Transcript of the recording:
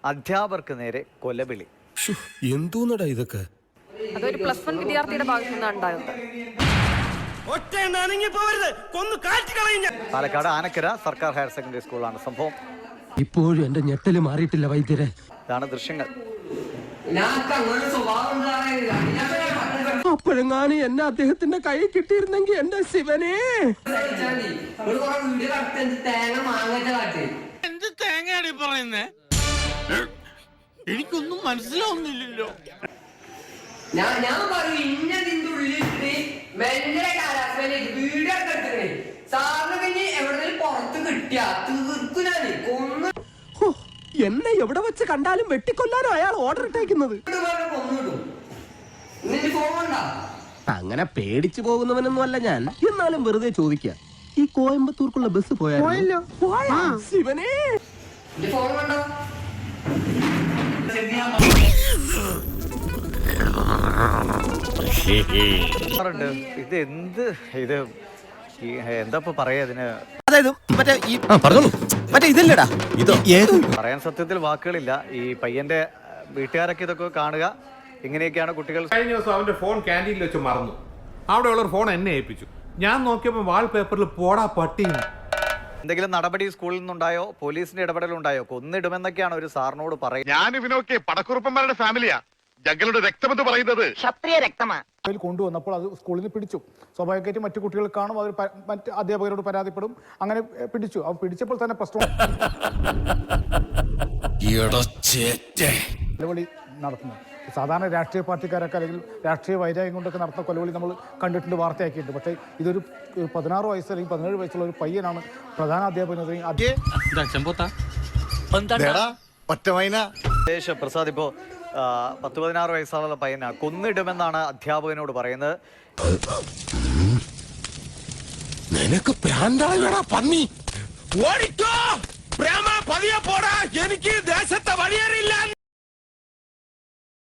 അധ്യാപകർക്ക് നേരെ കൊലവിളി. എന്തോന്നടാ ഇതൊക്കെ? അതൊരു +1 വിദ്യാർത്ഥിയുടെ ഭാഗത്തു നിന്നാണ് ഉണ്ടായത്. പാലക്കാട് ആനക്കര സർക്കാർ ഹയർ സെക്കൻഡറി സ്കൂളാണ് സംഭവം. ഇപ്പോഴും എന്റെ ഞെട്ടല് മാറിയിട്ടില്ല വൈദ്യരെ. ഇതാണ് ദൃശ്യങ്ങൾ. അപ്പോഴെങ്ങാനും എന്നെ അദ്ദേഹത്തിന്റെ കൈ കിട്ടിയിരുന്നെങ്കിൽ എന്റെ ശിവനെ. എന്ത് തേങ്ങയാടി പറയുന്നേ? എനിക്കൊന്നും മനസ്സിലാവുന്നില്ലല്ലോ. ഞാൻ പറയും ഇന്നതിന്റെ ഉള്ളിലിട്ട് ഭയങ്കര വീഡിയോ എടുത്തിട്ടേ സാറിന് കഴിഞ്ഞ് എവിടെങ്കിലും പുറത്ത് കിട്ടിയാ തീർക്കുനാണ് കൊന്നു. എന്നെ എവിടെ വെച്ച് കണ്ടാലും വെട്ടിക്കൊല്ലാനോ അയാൾ ഓർഡർ ഇട്ടേക്കുന്നത്. കൊന്നിടും. നിന്റെ ഫോൺ അങ്ങനെ പേടിച്ചു പോകുന്നവനൊന്നും അല്ല ഞാൻ. എന്നാലും വെറുതെ ചോദിക്കാം, ഈ കോയമ്പത്തൂർക്കുള്ള ബസ് പോയാലോ? ശിവനെ, ഫോൺ കണ്ടോ? ഇത് എന്ത് ഇത് എന്താ പറയാ ഇതിന്? അതായത് മറ്റേ ഇതല്ലടാ ഇതോ പറയാൻ സത്യത്തിൽ വാക്കുകളില്ല. ഈ പയ്യന്റെ വീട്ടുകാരൊക്കെ ഇതൊക്കെ കാണുക, ഇങ്ങനെയൊക്കെയാണ് കുട്ടികൾ. കഴിഞ്ഞ ദിവസം അവന്റെ ഫോൺ ക്യാൻറ്റീനിൽ വെച്ച് മറന്നു. അവിടെയുള്ളൊരു ഫോൺ എന്നെ ഏൽപ്പിച്ചു. ഞാൻ നോക്കിയപ്പോൾ വാൾ പേപ്പറിൽ പോടാ പട്ടി. എന്തെങ്കിലും നടപടി സ്കൂളിൽ നിന്നുണ്ടായോ, പോലീസിന്റെ ഇടപെടലുണ്ടായോ? കൊന്നിടുമെന്നൊക്കെയാണ് ഒരു സാറിനോട് പറയുന്നത്. ഞാൻ ഇവനൊക്കെ പടക്കുറുപ്പന്മാരുടെ ഫാമിലിയാ. ജംഗലുടെ രക്തമെന്ന് പറയുന്നത് ക്ഷത്രിയ രക്തമാണ്. കൊണ്ടുവന്നപ്പോൾ അത് സ്കൂളിൽ നിന്ന് പിടിച്ചു. സ്വാഭാവികമായിട്ടും മറ്റു കുട്ടികൾ കാണും, അവർ മറ്റ് അധ്യാപകരോട് പരാതിപ്പെടും. അങ്ങനെ പിടിച്ചു. അവർ പിടിച്ചപ്പോൾ തന്നെ പ്രശ്നം കൊലവിളി നടത്തുന്നു. സാധാരണ രാഷ്ട്രീയ പാർട്ടിക്കാരൊക്കെ അല്ലെങ്കിൽ രാഷ്ട്രീയ വൈരാഗ്യം കൊണ്ടൊക്കെ നടത്തുന്ന കൊലവിളി നമ്മൾ കണ്ടിട്ടുണ്ട്, വാർത്തയാക്കിയിട്ടുണ്ട്. പക്ഷേ ഇതൊരു 16 വയസ്സ് അല്ലെങ്കിൽ 17 വയസ്സുള്ള ഒരു പയ്യനാണ് പ്രധാന അധ്യാപകനെതിരെ. പ്രസാദ്, ഇപ്പോ 10-16 വയസ്സുള്ള പയ്യനാണ്, കൊന്നിടുമെന്നാണ് അധ്യാപകനോട് പറയുന്നത്. നിനക്ക് പ്രാന്തായടാ പന്നി, ഓടിക്കോ.